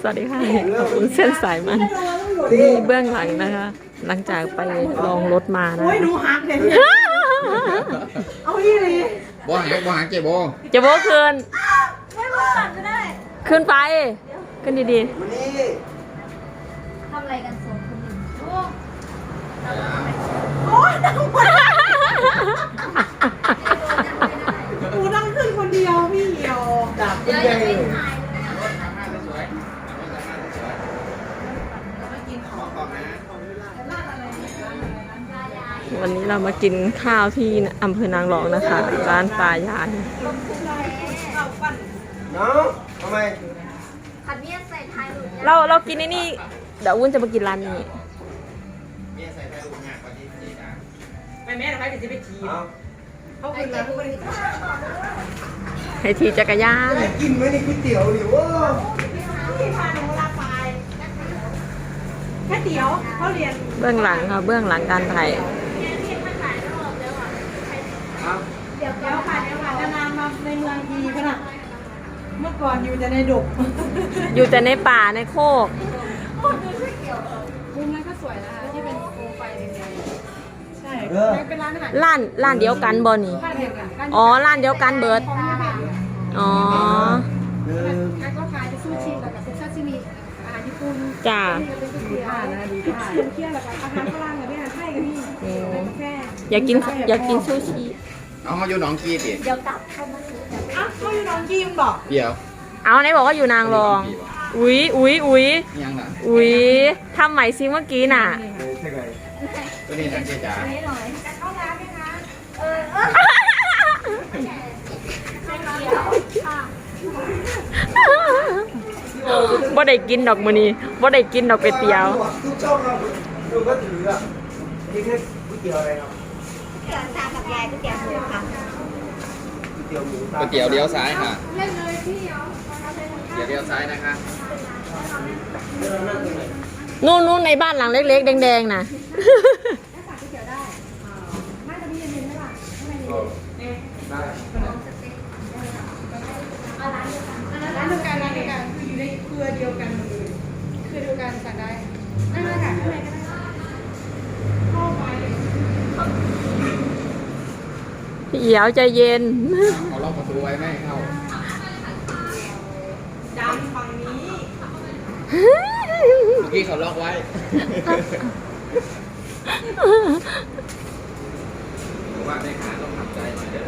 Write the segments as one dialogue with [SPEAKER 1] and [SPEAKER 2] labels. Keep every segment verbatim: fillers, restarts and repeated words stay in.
[SPEAKER 1] สวัสดีค่ะขอบคุณเส้นสายมันนี่เบื้องหลังนะคะ หลังจากไปลองรถมานะ
[SPEAKER 2] โอ้ยหนูหักเลยเอาอีเลย
[SPEAKER 3] บ่หักบ่หักเจ๊บ่
[SPEAKER 1] จะโบคืน
[SPEAKER 2] ไม่มาหักก็ได้
[SPEAKER 1] ขึ้นไป ขึ้นดี
[SPEAKER 4] ทำอะไรกันสองคนหนึ่งโอ้
[SPEAKER 2] โอ้ยนั่งคนหนูนั่งขึ้นคนเดียวพี่เหี่ยวดับ
[SPEAKER 4] เดี๋ยวยังไม่ถ่ายเลย
[SPEAKER 1] ๆ วันนี้เรามากินข้าวที่อำเภอนางรองนะคะ ร้านตายาย
[SPEAKER 5] น้องทำไม
[SPEAKER 4] ขัดเมียใส่ไทยหลุด
[SPEAKER 1] เราเรากินในนี่เดี๋ยววุ้นจะมากินร้านนี้
[SPEAKER 2] ไปแม่ทำไมถึงจะไปขี่
[SPEAKER 5] เอา
[SPEAKER 2] เขาคืนมาเขาไม่ได้
[SPEAKER 1] ให้ทีจักรยาน
[SPEAKER 5] ได้กินไหมในก๋วยเตี๋ยวหรือว่า
[SPEAKER 2] พี่พาหนูลาไปแค่เตี๋ยวเขาเรียน
[SPEAKER 1] เบื้องหลังค่ะ เบื้องหลังการถ่าย
[SPEAKER 5] เอา
[SPEAKER 2] เดี๋ยวเดี๋ยวค่ะเดี๋ยวค่ะนานๆมาในเมืองทีขนาดเมื่อก่อนอยู่แต่ในดก
[SPEAKER 1] อยู่แต่ในป่าในโคก
[SPEAKER 2] มุมนั้นก็สวยนะคะที่เป็นโคมไฟแดงๆใช่
[SPEAKER 5] เออ
[SPEAKER 2] เป็นร้านอาหาร
[SPEAKER 1] ร้านร้านเดียวกันบ่นี่
[SPEAKER 2] บ้านเดียวกันร้าน
[SPEAKER 1] อ๋อ ร้านเดียวกันเบิร์ด
[SPEAKER 2] ของแม่บ้าน
[SPEAKER 1] อ๋อ
[SPEAKER 5] หนึ่ง
[SPEAKER 2] แล้วก็ขายซูชิแล้วก็เซ็กซัสซิมิอาหารญี่ปุ่น
[SPEAKER 1] จ้า
[SPEAKER 2] นี่ก็เป็นก๋วยเตี๋ยวนะดีค่ะเที่ยวแล้วก็อาหารฝรั่งกับอาหารไทยกับพี่
[SPEAKER 1] อืม
[SPEAKER 2] กาแฟ
[SPEAKER 1] อยากกินอยากกินซูชิ
[SPEAKER 3] เอาเขาอยู่หนองกีติ
[SPEAKER 4] เดี๋ยวกลับเข้ามาซื้อแต่
[SPEAKER 2] อ้าวเขาอยู่น้องจีมบอก
[SPEAKER 3] เดี๋ยว
[SPEAKER 1] เอาไหนบอกว่าอยู่นางรอง อุ๊ยอุ๊ยอุ๊ย
[SPEAKER 3] ยังล่ะ
[SPEAKER 1] อุ๊ยทำใหม่ซิเมื่อกี้น่ะ
[SPEAKER 5] ใช่ไหม
[SPEAKER 3] ตัวนี้นั่นเจ๊จ๋า
[SPEAKER 4] ไม่หน่อยจะเข้าร้านไหมคะเออเออไม่เกี่ยวค่ะ
[SPEAKER 1] บ่ได้กินดอกมื้อนี้บ่ได้กินดอกเป็ดเตี๋ยว
[SPEAKER 5] ทุกช่องเราดูก็ถืออ่ะนี่แค่ก๋วยเตี๋ยวอะไรเนาะ
[SPEAKER 4] เกี่ยวตากับยายก็เกี่ยวหมูค่ะ
[SPEAKER 5] ก๋วยเตี๋ยวหมู
[SPEAKER 3] ก๋วยเตี๋ยวเลี้ยวซ้ายค่ะ
[SPEAKER 4] เล่นเลยพี่เดี๋ยว
[SPEAKER 3] เดี๋ยวเลี้ยวซ้ายนะคะ
[SPEAKER 1] นู่นนู่นในบ้านหลังเล็กๆ แดงๆน่ะ
[SPEAKER 5] ได้
[SPEAKER 2] ร้านเดียวกันร้านเดียวกันคืออยู่ในเครือเดียวกันหมดเลยเครือเดียวกันสั่งได้นั่นเลยค่ะข้างในก็ได้เข้าไป
[SPEAKER 1] พี่เอียวใจเย็น
[SPEAKER 3] เอาล็อกประตูไว้ไม่ให้เข้า
[SPEAKER 2] ดำฝั่งนี้
[SPEAKER 3] เมื่อกี้เขาล็อกไว้ผมว่าได้ขาต้องทำใจหน่อยเด้อ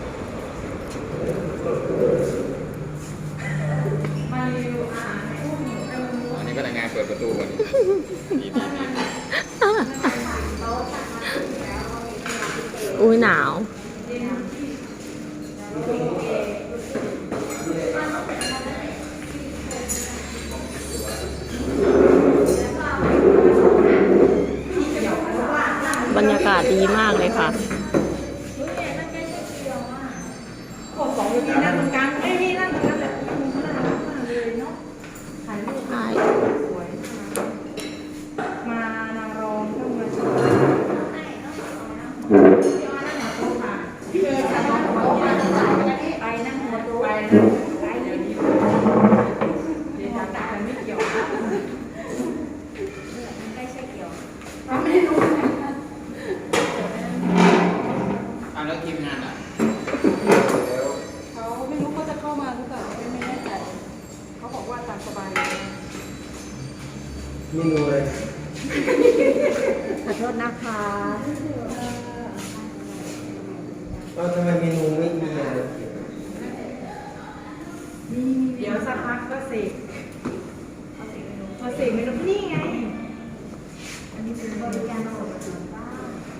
[SPEAKER 2] มาเร็วอ่ะ
[SPEAKER 3] อันนี้ก็ได้งานเปิดประตูก่อนดีดีดี
[SPEAKER 1] อุ้ยหนาว บรรยากาศดีมากเลยค่ะ
[SPEAKER 2] ขอสองอยู่ที่นั่นตรงกลางเอ้ยนี่นั่นตรงนั้นแหละมุมน่ารักมากเลยเนาะถ่ายรูป
[SPEAKER 1] ใช่
[SPEAKER 2] สวยมานางรองต้องมาชมพี่เอ๋ค่ะไปนั่งหัวโต๊ะไปไปเดี๋ยวนี้เดี๋ยวจะตัดกันไม่เกี่ยวนะ
[SPEAKER 4] ไม่ใช่เกี่ยว
[SPEAKER 2] เราไม่ได้รู้นะ
[SPEAKER 3] อ่ะแล้วทีมงานอ่ะ
[SPEAKER 2] เขาไม่รู้เขาจะเข้ามาหรือเปล่าไม่แน่ใจเขาบอกว่าตามสบายเลย
[SPEAKER 5] เมนูเลย
[SPEAKER 1] ขอโทษนะคะ
[SPEAKER 5] เราทำไมเมนูไม่มีอะไร
[SPEAKER 2] เดี๋ยวสักพักก็เสกพอเสกเมนูนี่ไง
[SPEAKER 4] อันนี้เป็นบริการส่งถึงบ้าน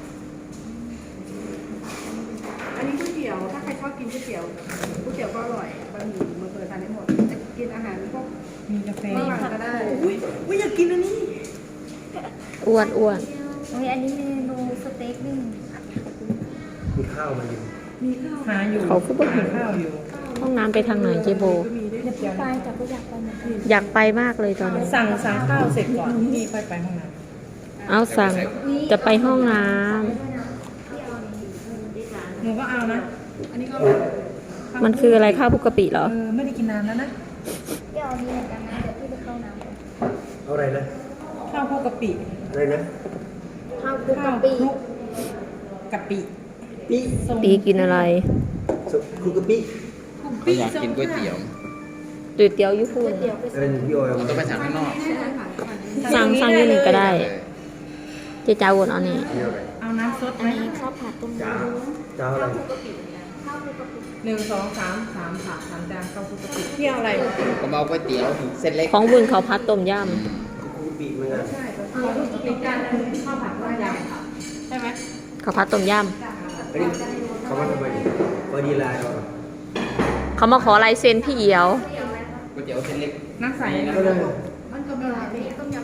[SPEAKER 2] อันนี้ก๋วยเตี๋ยว ถ้าใครชอบกินก๋วยเตี๋ยวก๋วยเตี๋ยวก็อร่อยบะหมี่มาเปิดทานได้หมดจะกินอาหารพวกมีกาแฟก็ได้อุ้ยอุ้ยอยากกินอันนี้
[SPEAKER 1] อ้วนอ้วน
[SPEAKER 4] โอ้ยอันนี้เมนูสเต็กนึ่ง
[SPEAKER 5] มีข้าวมาอยู่
[SPEAKER 2] มีข้าวหาอยู่
[SPEAKER 1] เขาก็บอก
[SPEAKER 2] ข้าวอยู่
[SPEAKER 1] ห้องน้ำไปทางไหนเจโบ
[SPEAKER 2] ก็มีด้วย
[SPEAKER 4] เดี๋ยวพี่ไปแต่ก็อยากไปเหมือนกัน
[SPEAKER 1] อยากไปมากเลยตอนนี้
[SPEAKER 2] สั่งสั่งข้าวเสร็จก่อนที่นี่ค่อยไปห้องน้
[SPEAKER 1] เอาสั่ง จะไปห้องน้
[SPEAKER 2] ำหนูก็เอานะ อันนี้ก็อร่อย
[SPEAKER 1] ำมันคืออะไรข้าวบุกกะปิเหรอ
[SPEAKER 2] เออไม่ได้กินนานแล้วนะ
[SPEAKER 4] เดี๋ยวนี้เหมือนกันนะเดี๋ยวพี่ไปเข้า
[SPEAKER 5] เอาอะไรนะ
[SPEAKER 2] ข้าวคลุกกะปิ
[SPEAKER 5] อะไรนะ
[SPEAKER 4] ข้าวคลุก
[SPEAKER 2] ข้าก
[SPEAKER 4] ะ
[SPEAKER 2] ว
[SPEAKER 4] ปิ
[SPEAKER 2] คลุกกะปิ
[SPEAKER 5] ปี
[SPEAKER 1] ตีกินอะไร
[SPEAKER 5] สุคุกกะปิ
[SPEAKER 3] เขาอยากกินก๋วยเตี๋ยว
[SPEAKER 1] ก๋วยเตี๋ยวญี่ปุ่น
[SPEAKER 4] เดี๋ยวไป
[SPEAKER 5] อะไรพี่โอ้ย
[SPEAKER 3] เราต้องไปสั่งข้างนอก
[SPEAKER 1] สั่งสั่งอยี่นี่ก็ได้ เจ๊จ้าวนเอานี่
[SPEAKER 5] นี่อะไร
[SPEAKER 2] เอาน้ำซด
[SPEAKER 4] อั
[SPEAKER 2] ไห
[SPEAKER 4] น
[SPEAKER 2] ม
[SPEAKER 4] นี้ข้าวผัดต้มย
[SPEAKER 5] จ้าจ้าอะไร
[SPEAKER 4] ำข้าวคลุกกะปิ
[SPEAKER 2] หนึ่งสองสามสามผักสามจานข้าวคลุกกะปิเที่ยวอะไร
[SPEAKER 3] ก็มาเอาก๋วยเตี๋ยวเส้นเล็ก
[SPEAKER 1] ของบุญเขาพัดต้มย
[SPEAKER 5] คุกกะปิเหมือนกัน
[SPEAKER 2] ใช่ข้าวคลุกกะปิจานนึงข้าวผัดต้มยำใช่ไหม
[SPEAKER 1] ำเขาพัดต้มย
[SPEAKER 5] อันนี้เขามาทำไมเนี่ยพอดีลายเรา
[SPEAKER 1] ำเขามาขอลายเซ็นพี่เอียว
[SPEAKER 3] ก๋วยเตี๋ยวเส้นเล็ก
[SPEAKER 2] น้ำใสนะ
[SPEAKER 5] ก็เลย
[SPEAKER 4] มันก็มีหลายแบบต้มย